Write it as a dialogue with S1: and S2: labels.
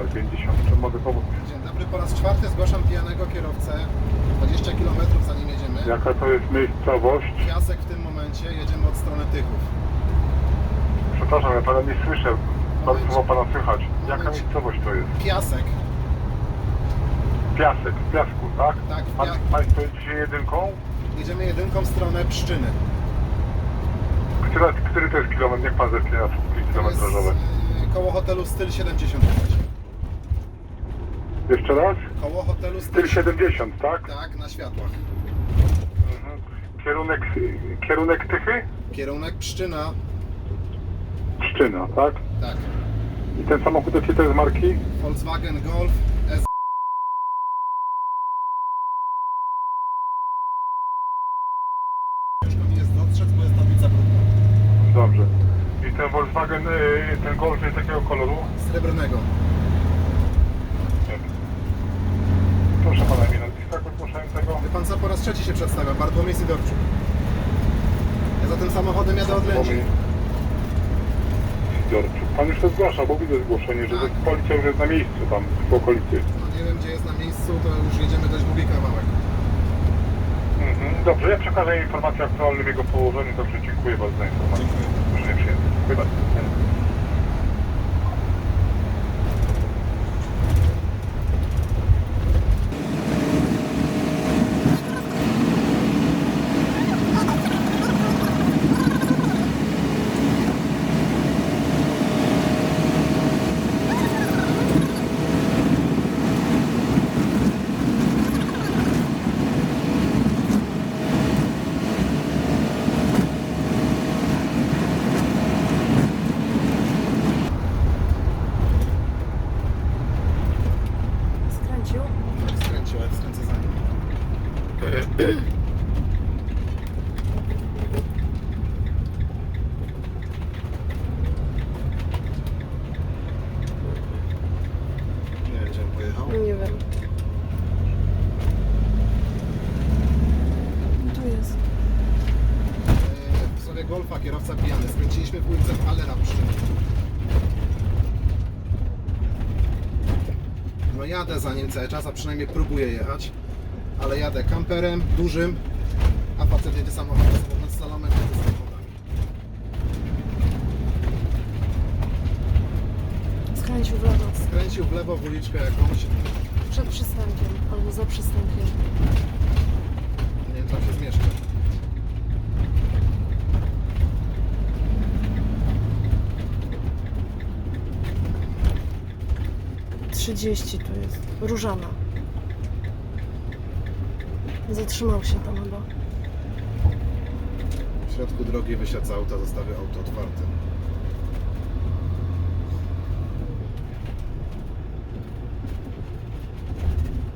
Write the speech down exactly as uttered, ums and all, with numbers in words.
S1: pięćdziesiąt. Czym mogę pomóc?
S2: Dzień dobry, po raz czwarty zgłaszam pijanego kierowcę. dwadzieścia kilometrów zanim jedziemy.
S1: Jaka to jest miejscowość?
S2: Piasek w tym momencie, jedziemy od strony Tychów.
S1: Przepraszam, ja pana nie słyszę. Bardzo
S2: Momencie.
S1: słowo pana słychać. Jaka
S2: Momencie.
S1: miejscowość to jest?
S2: Piasek.
S1: Piasek, w piasku, tak?
S2: Tak, w
S1: Pan,
S2: pia-
S1: Państwo jedziecie jedynką?
S2: Jedziemy jedynką w stronę Pszczyny.
S1: Który, który to jest kilometr? Niech pan zerknie na słupki
S2: To jest
S1: kilometrażowe.
S2: y, koło hotelu Styl siedemdziesiąt.
S1: Jeszcze raz?
S2: Koło hotelu Styl
S1: Styl siedemdziesiąt, tak?
S2: Tak, na światłach.
S1: Mhm. Kierunek, kierunek Tychy?
S2: Kierunek Pszczyna.
S1: Pszczyna, tak?
S2: Tak.
S1: I ten samochód jakiej to jest marki?
S2: Volkswagen Golf S. Ciężko mi jest dostrzec, bo jest tablica brudna.
S1: Dobrze. I ten Volkswagen, y, ten Golf jest jakiego koloru?
S2: Srebrnego.
S1: Proszę pana, imię nazwiska zgłaszającego.
S2: Wie pan co, po raz trzeci się przedstawia, Bartłomiej Sidorczuk. Ja za tym samochodem jadę od Lędzi.
S1: Sidorczuk. Pan już to zgłaszał, bo widzę zgłoszenie, że
S2: Tak.
S1: policja już jest na miejscu tam, w okolicy.
S2: No nie wiem gdzie jest na miejscu, to już jedziemy dość długi kawałek.
S1: Mhm. Dobrze, ja przekażę informację o aktualnym jego położeniu, także dziękuję bardzo za informację.
S2: Dziękuję.
S1: Proszę nie przyjęty. Dziękuję bardzo.
S3: Skręcił?
S2: Tak skręciłem, skręcę za nim. Nie wiem gdzie on pojechał.
S3: Nie wiem. Tu jest.
S2: Yy, W sobie Golfa kierowca pijany. Skręciliśmy w ulicę Allera Pszczyny. No jadę za nim cały czas, a przynajmniej próbuję jechać. Ale jadę kamperem, dużym, a facet jedzie samochodem, samochód z salomem, jedzie samochodami.
S3: Skręcił w lewo.
S2: Skręcił w lewo w uliczkę jakąś.
S3: Przed przystankiem albo za przystankiem.
S2: Nie wiem, tam się zmieszczę.
S3: trzydzieści tu jest. Różana. Zatrzymał się tam chyba.
S2: W środku drogi wysiadł z auta, zostawił auto otwarte.